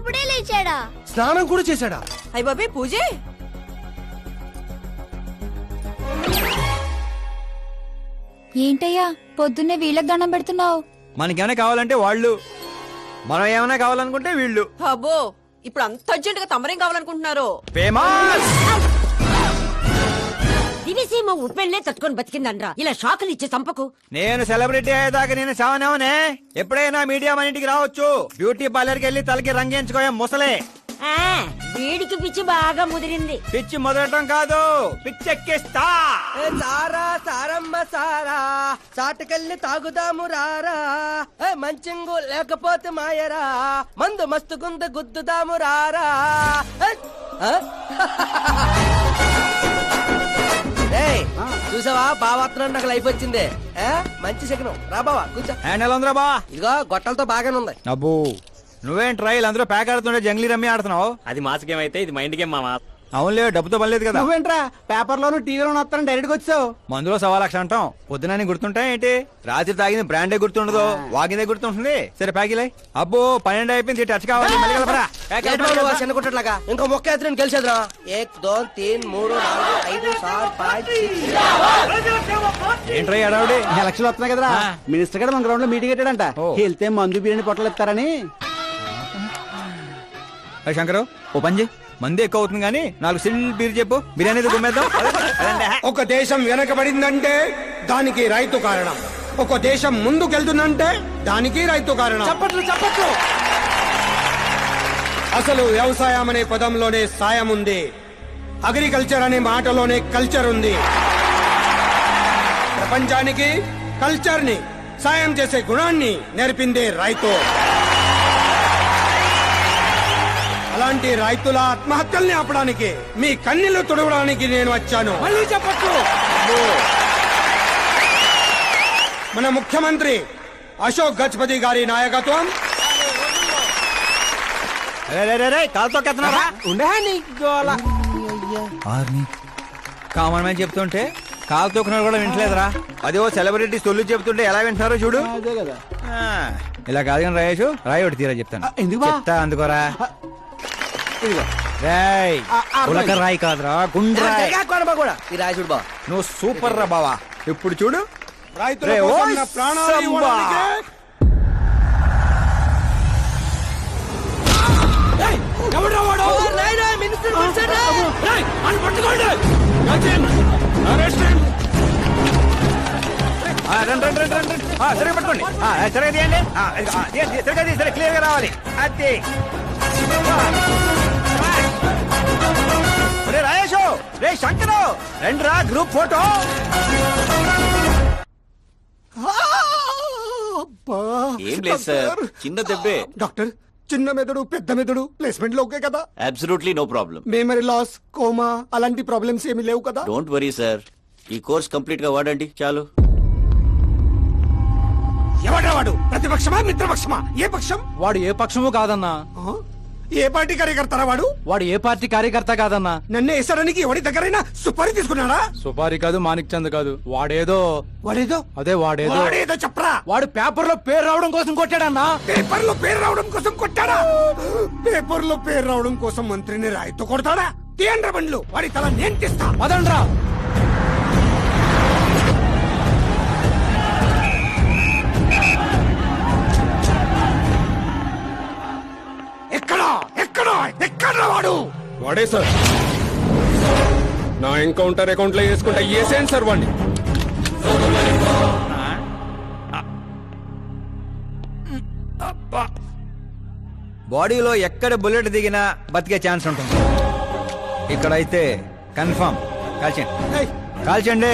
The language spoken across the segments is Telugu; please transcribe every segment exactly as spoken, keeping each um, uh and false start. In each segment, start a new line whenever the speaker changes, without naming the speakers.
అప్పుడే లేచాడా?
స్నానం కూడా చేశాడా?
అయ్య బాబే పూజే.
ఏంటయ్యా పొద్దున్నే వీళ్ళకి దండం పెడుతున్నావు?
మనకేమైనా కావాలంటే వాళ్ళు, మనం ఏమైనా కావాలనుకుంటే వీళ్ళు.
అబ్బో ఇప్పుడు అంత అర్జెంట్ గా తమరేం కావాలనుకుంటున్నారు?
ఫేమస్
దివిసీమ ఉప్పెళ్లే తట్టుకొని బతికిందనరా, ఇలా షాకులు ఇచ్చే చంపకు.
నేను సెలబ్రిటీ అయ్యేదాకా నేను చావనేవనే. ఎప్పుడైనా మీడియా మన ఇంటికి రావచ్చు. బ్యూటీ పార్లర్కి వెళ్ళి తలకి రంగేయించుకోయా ముసలే.
ఆ వీడికి పిచ్చి బాగా ముదిరింది.
పిచ్చి మొదలటం కాదు, పిచ్చెక్కిస్తా.
సారా సారమ్మ సారా, చాటుకెళ్ళి తాగుదాము రారా. ఏ మంచింగు లేకపోతే మాయరా, మందు మస్తు గుంద గుద్దుదాము రారా. ఏ, ఆ? ఏయ్, చూసావా బావాత్రం నాకు లైఫ్ వచ్చింది. ఏ, మంచి శకనం. రా బావా కూర్చో.
హ్యాండ్ ఎలా ఉందిరా బా?
ఇదిగో గొట్టలతో బాగానే ఉంది.
అబ్బో నువ్వేం ట్రైల్ అందరూ ప్యాక్ ఆడుతుండే జంగ్లీ రమ్మి ఆడుతున్నావు.
అది మాస్ గేమ్ అయితే ఇది మైండ్ గేమ్ మామా.
అవునులే, డబ్బుతో పనిలేదు కదా.
నువ్వేంట్రా పేపర్ లోను టీవీలోను వస్తాను డైరెక్ట్ గా వచ్చావు.
మందులో సవా లక్ష అంటాం, పొద్దునని గుర్తుంటాయి ఏంటి? రాత్రి తాగింది బ్రాండే గుర్తుండదు, వాగిందే గుర్తుంటుంది. సరే ప్యాకిలే. అబ్బో పన్నెండు అయిపోయింది, టచ్ కావాలి. మళ్ళీ కలపరా. ప్యాక్
ఏంటి
అయిపోయింది.
బాబు, చిన్న కుట్టట్లాగా ఇంకో మొక్క ఎత్తున గెలిచేద్రా. ఏక్ దో తీన్ మూడు నాలుగు ఐదు సార్ పాంచ్
ఏంట్రా అడావుడి?
ఎలక్షన్లు వస్తున్నాయి కదరా, మినిస్టర్ గారు మన గ్రౌండ్ లో మీటింగ్ పెట్టాడంట.
ఓ.
వెళ్తే మందు బిర్యానీ పొట్టలు ఇస్తారని.
శంకరు ఓ పంజి, మంది ఎక్కువ అవుతుంది కానీ నాలుగు సిల్ బీర్ చెప్పు, బిర్యానీ గుమ్మేద్దాం.
ఒక దేశం వెనకబడిందంటే దానికి రైతు కారణం. ఒక దేశం ముందుకెళ్తుందంటే దానికి రైతు కారణం.
చప్పట్లు చప్పట్లు.
అసలు వ్యవసాయం అనే పదంలోనే సాయం ఉంది, అగ్రికల్చర్ అనే మాటలోనే కల్చర్ ఉంది. ప్రపంచానికి కల్చర్ ని, సాయం చేసే గుణాన్ని నేర్పిందే రైతు. అలాంటి రైతుల ఆత్మహత్యల్ని ఆపడానికి, మీ కన్నీళ్లు తుడవడానికి నేను వచ్చాను.
మళ్ళీ చెప్పట్లు.
మన ముఖ్యమంత్రి అశోక్ గజపతి గారి నాయకత్వం,
కాలుతో కెత్తనారా?
ఉండే నీకు గోల.
కామన్ మ్యాన్ చెప్తుంటే కాలు తొక్కున్నారు కూడా వింటలేదురా. అదే ఓ సెలబ్రిటీ సొల్లు చెప్తుంటే ఎలా వింటున్నారో చూడు.
అదే కదా.
ఆ, ఇలా కాదు కానీ రాయేషు, రాయి ఒకటి తీరా చెప్తాను.
ఆ, ఎందుకు బా?
చెప్తా అందుకోరా.
ఇదిగో.
రాయ్
ఆ, ఆ,
ఉలక రాయి కాదురా, గుండ్రాయ్.
కూడా ఈ రాజుడు బా.
నువ్వు సూపర్ రా బావా. ఇప్పుడు చూడు,
రైతుల
రే,
కోసం
ఓయ్
నా ప్రాణాలు
సంబా.
ఇవ్వడానికే
ఎవడ్రా వాడు? నాయనా, మినిస్టర్ పిలిచాడా? రేయ్, వాడిని పట్టుకోండి.
ఆ, రండి రండి రండి రండి. ఆ, సరిగ్గా పట్టుకోండి. ఆ, సరిగ్గా తీయండి. ఆ, ఇదిగో, ఆ, తీయండి, సరిగ్గా తీయండి, సరే క్లియర్ గా రావాలి. అది రే రాయేషు, రే శంకరు, రండి రా గ్రూప్ ఫోటో.
ఏం లేదు సార్, చిన్న దెబ్బే.
డాక్టర్, చిన్న మెదడు పెద్ద మెదడు ప్లేస్మెంట్ లో ఓకే కదా?
Absolutely no problem.
Memory loss, coma అలాంటి ప్రాబ్లమ్స్ ఏమీ లేవు కదా?
డోంట్ వరీ సార్, ఈ కోర్స్ కంప్లీట్ గా వాడండి చాలు.
ఎవడ్రా వాడు? ప్రతిపక్షమా మిత్రపక్షమా? ఏ పక్షం?
వాడు ఏ పక్షము కాదన్నా.
ఆ? ఏ పార్టీ కార్యకర్తారా వాడు?
వాడు ఏ పార్టీ కార్యకర్త కాదన్నా.
నన్ను వేసడానికి ఎవరి దగ్గరైనా సుపారీ తీసుకున్నాడా?
సుపారి కాదు, మాణిక్ చంద్ కాదు. వాడేదో
వాడేదో
అదే వాడేదో
వాడేదో చెప్పరా.
వాడు పేపర్ లో పేరు రావడం కోసం కొట్టాడన్నా.
పేపర్ లో పేరు రావడం కోసం కొట్టాడా? పేపర్ లో పేరు రావడం కోసం మంత్రిని రాయితో కొడతాడా? తీయండ్ర బండ్లు, వాడి తల నేను తీస్తా.
పదండ్రా.
ఎక్కడా ఎక్కడా ఎక్కడ్రా వాడు?
వాడే సార్, నా ఎన్కౌంటర్ అకౌంట్ లో వేసుకుంటా వేసేయండి సార్ వాడిని.
బాడీలో ఎక్కడ బుల్లెట్ దిగినా బతికే ఛాన్స్ ఉంటుంది. ఇక్కడైతే కన్ఫర్మ్. కాల్చండి కాల్చండి,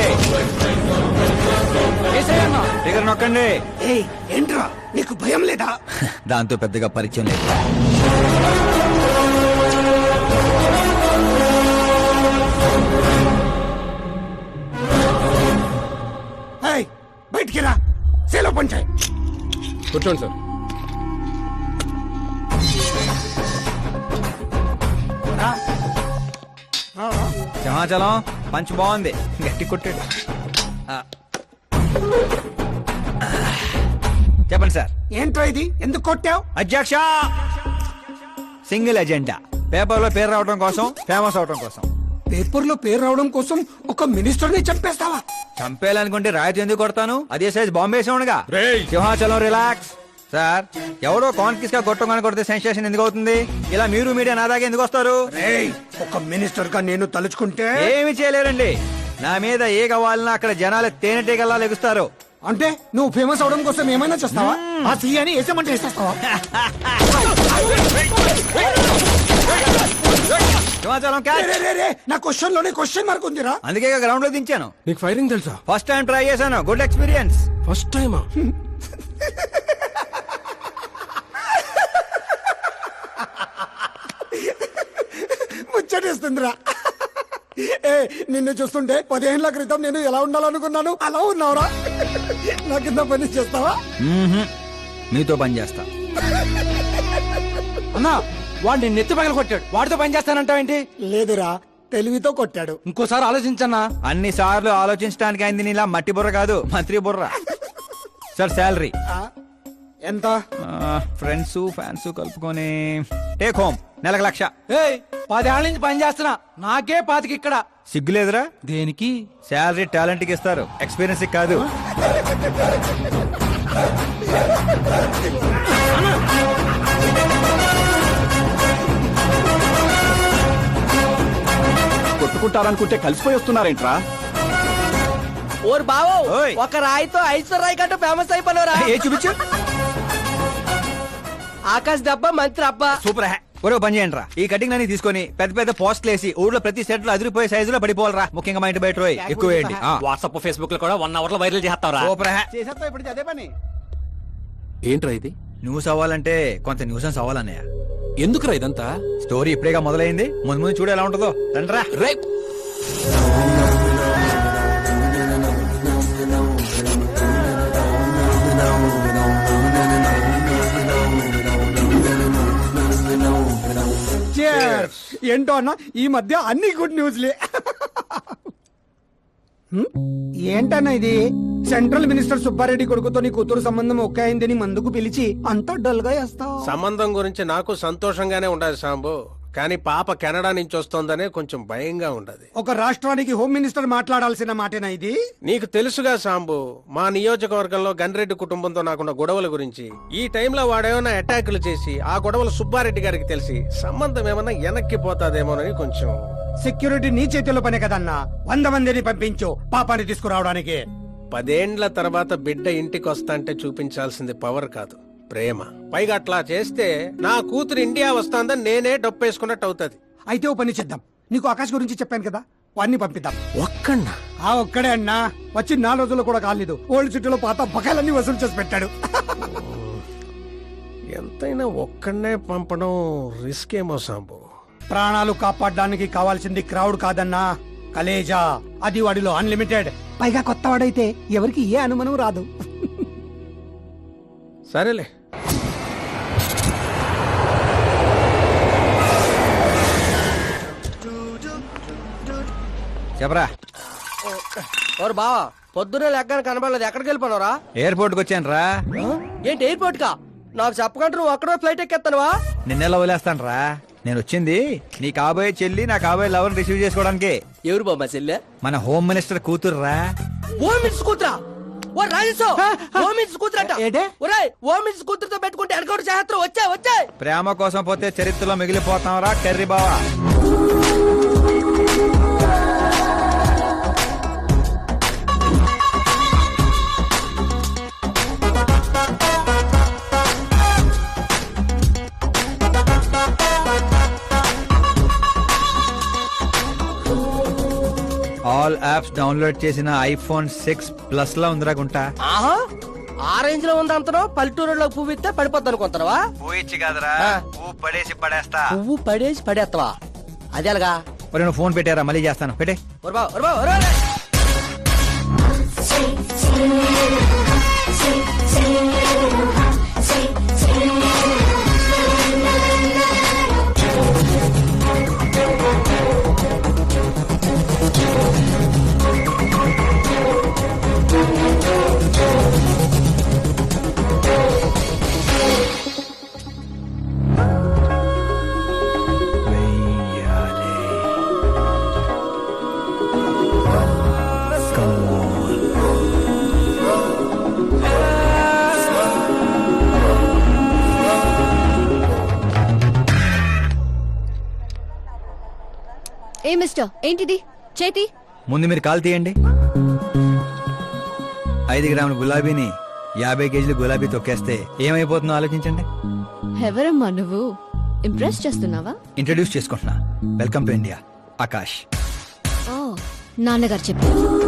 దగ్గర నొక్కండి.
ఏయ్, ఏంట్రా నీకు భయం లేదా?
దాంతో పెద్దగా పరిచయం లేదు.
ఏయ్, బయటికి రా, సేలో పంచాయి.
కూర్చోండి సార్.
సింహాచలం పంచ్ బాగుంది, గట్టి కొట్టాడు. ఆ. చెప్పండి సార్.
ఏంట్రా ఇది? ఎందుకు కొట్టావు?
అధ్యక్ష, సింగిల్ ఎజెండా పేపర్ లో పేరు రావడం కోసం, ఫేమస్ అవడం కోసం.
పేపర్ లో పేరు రావడం కోసం ఒక మినిస్టర్ ని చంపేస్తావా?
చంపేయాలనుకుంటే రాయితీ ఎందుకు కొడతాను? అదే సైజ్ బాంబే సౌండ్గా.
రేయ్!
సింహాచలం రిలాక్స్. సార్, ఎవడో కాన్ఫిస్ గా కొట్టగానే కొడితే సెన్సేషన్ ఎందుకు అవుతుంది? ఇలా మీరు మీడియా నా దాకా ఎందుకు వస్తారు?
రేయ్, ఒక మినిస్టర్ గా నేను తలుచుకుంటే
ఏమి చేయలేరండి. నా మీద ఏ కావాలన్నా అక్కడ జనాలు తేనెటీగల్లా లెగుస్తారు.
అంటే నువ్వు ఫేమస్ అవడం కోసం ఏమైనా చేస్తావా? ఆ సీఎని వేసేమంటే వేసేస్తావా?
సింహాచలం క్యాచ్.
రే, రే, రే, నా క్వశ్చన్ లోనే క్వశ్చన్ మార్క్ ఉందిరా.
అందుకే గ్రౌండ్ లో దించాను.
నీకు ఫైరింగ్ తెలుసా?
ఫస్ట్ టైం ట్రై చేశాను, గుడ్ ఎక్స్పీరియన్స్.
ఫస్ట్ టైమా?
ముచ్చటేస్తుందిరా. ఏ నిన్ను చూస్తుంటే పదిహేనుల క్రితం నేను ఎలా ఉండాలనుకున్నాను అలా ఉన్నావురా. నా కింద పని చేస్తావా?
మ్మ్హ్మ్. మీతో పని చేస్తా.
అన్నా వాడిని నెత్తి పగల కొట్టాడు, వాడితో పని చేస్తానంటావేంటి?
లేదురా, తెలివితో కొట్టాడు.
ఇంకోసారి ఆలోచించన్నా.
అన్ని సార్లు ఆలోచించడానికి అయింది నీలా మట్టి బుర్ర కాదు, మంత్రి బుర్ర. సార్ శాలరీ
ఆ, ఎంత?
ఫ్రెండ్స్ ఫ్యాన్స్ కలుపుకొని టేక్ హోమ్ నెలకు లక్ష.
ఏయ్, పదేళ్ల నుంచి పని చేస్తున్నా, నాకే పాతికి ఇక్కడ.
సిగ్గులేదురా?
దేనికి?
శాలరీ టాలెంట్ కి ఇస్తారు, ఎక్స్పీరియన్స్ కి కాదు.
కొట్టుకుంటారనుకుంటే కలిసిపోయి వస్తున్నారేంట్రా?
ఓర్ బావో,
ఓయ్.
ఒక రాయితో ఐశ్వర్ రాయ్ కంటే ఫేమస్ అయిపోయినరా.
ఏ చూపించు.
ఆకాశ్ దెబ్బ మంత్రి అబ్బా.
సూపర్ హ్యా. ఒరే పని చేయండి రా, ఈ కటింగ్ అన్ని తీసుకొని పెద్ద పెద్ద పోస్టులు వేసి ఊర్లో ప్రతి సెట్ లో అదిరిపోయే సైజులో పడిపోవాలరా. ముఖ్యంగా మా ఇంటి బయట రోయ్ ఎక్కువ వేయండి.
వాట్సాప్ ఫేస్బుక్ లో కూడా వన్ అవర్ లో వైరల్ చేస్తావరా?
సూపర్ హ్యా.
చేసేస్తా ఇప్పుడు అదే పని.
ఏంట్రా ఇది?
న్యూస్ అవ్వాలంటే కొంత న్యూసెన్స్ అవ్వాలన్నయ్య.
ఎందుకురా ఇదంతా?
స్టోరీ ఇప్పుడేగా మొదలైంది, ముందు ముందు చూడు ఎలా ఉంటుందో. రండ్రా.
రే,
Cheers. ఏంటో అన్న, ఈ మధ్య అన్ని గుడ్ న్యూస్లే. హ్మ్? ఏంటన్నా ఇది? సెంట్రల్ మినిస్టర్ సుబ్బారెడ్డి కొడుకుతో నీ కూతురు సంబంధం ఒకే అయిందని మందుకు పిలిచి అంతా డల్ గా వేస్తావు.
సంబంధం గురించి నాకు సంతోషంగానే ఉండదు సాంబు, కానీ పాప కెనడా నుంచి వస్తోందనే కొంచెం భయంగా ఉండదు.
ఒక రాష్ట్రానికి హోమ్ మినిస్టర్ మాట్లాడాల్సిన మాటేనా ఇది?
నీకు తెలుసుగా సాంబు, మా నియోజకవర్గంలో గన్రెడ్డి కుటుంబంతో నాకున్న గొడవల గురించి. ఈ టైంలో వాడేమైనా అటాకులు చేసి ఆ గొడవలు సుబ్బారెడ్డి గారికి తెలిసి సంబంధం ఏమైనా వెనక్కి పోతాదేమోనని కొంచెం.
సెక్యూరిటీ నీ చేతిలో పనే కదన్నా, వంద మందిని పంపించు పాపాన్ని తీసుకురావడానికి.
పదేండ్ల తర్వాత బిడ్డ ఇంటికి వస్తాంటే చూపించాల్సింది పవర్ కాదు, ప్రేమ. పైగా అట్లా చేస్తే నా కూతురు ఇండియా వస్తాందని నేనే డొప్పేసుకున్నట్టు అవుతుంది.
అయితే ఓ పని చేద్దాం, నీకు ఆకాశ్ గురించి చెప్పాను కదా, వాడిని పంపిద్దాం.
ఒక్కన్నా?
ఆ ఒక్కడే అన్నా, వచ్చి నాలుగు రోజులు కూడా కాలేదు, ఓల్డ్ సిటీలో పాత బకాయిలన్నీ వసూలు చేసి పెట్టాడు.
ఎంతైనా ఒక్కడనే పంపడం రిస్క్ ఏమో సాంబు.
ప్రాణాలు కాపాడడానికి కావాల్సింది క్రౌడ్ కాదన్నా, కలేజా. అది వాడిలో అన్లిమిటెడ్. పైగా కొత్త వాడైతే ఎవరికి ఏ అనుమానం రాదు.
సరేలే.
చెప్పరా.
ఓర్ బావా, పొద్దున్నే లెక్కన కనబడలేదు, ఎక్కడికి వెళ్ళిపోనరా?
ఎయిర్పోర్ట్ కి వచ్చాను రా.
ఏంటి ఎయిర్పోర్ట్ కా? నాకు చెప్పకుండా నువ్వు అక్కడో ఫ్లైట్ ఎక్కేస్తానువా?
నిన్నెలా వదిలేస్తాను రా. నేను వచ్చింది నీ కాబోయే చెల్లి, నా కాబోయే లవర్ రిసీవ్ చేసుకోవడానికి.
ఎవరు బాబా చెల్లె?
మన హోమ్ మినిస్టర్ కూతురు రా.
ఓ మినిట్స్ కూతురా? ఓ రాజేశో, ఓ మినిట్స్ కూతురట. ఒరేయ్, ఓ మినిట్స్ కూతురుతో పెట్టుకుంటే ఎడగొడు చేస్తారు. వచ్చే వచ్చే.
ప్రేమ కోసం పోతే చరిత్రలో మిగిలిపోతాం రా కర్రీ బావా. ఆల్ యాప్స్ డౌన్లోడ్ చేసిన ఐఫోన్ సిక్స్ ప్లస్ లో ఉందిరా గుంట.
ఆహా, ఆ రేంజ్ లో ఉంది అంతనో. పల్లెటూరులో పువ్వు ఇస్తే పడిపోద్ది అనుకుంటారా?
పోయిచ్చి కాదురా, పువ్వు పడేసి పడేస్తా.
పువ్వు పడేసి పడేస్తావా? అది అలాగా.
ఒరే నువ్వు ఫోన్ పెట్టారా, మళ్ళీ చేస్తాను, పెట్టే.
ఒరు బావ, ఒరు బావ, ఒరు బావ.
ఏ మిస్టర్ ఏంటిది చేతి
ముందు మీరు కాల్ తీయండి. ఐదు గ్రాముల గులాబీని యాభై కేజీలు గులాబీ తొక్కేస్తే ఏమైపోతుందో ఆలోచించండి.
ఎవరమ్మా నువ్వు ఇంప్రెస్ చేస్తున్నావా?
ఇంట్రడ్యూస్ చేసుకుంటున్నా. Welcome to India, Akash.
నాన్నగారు చెప్పారు.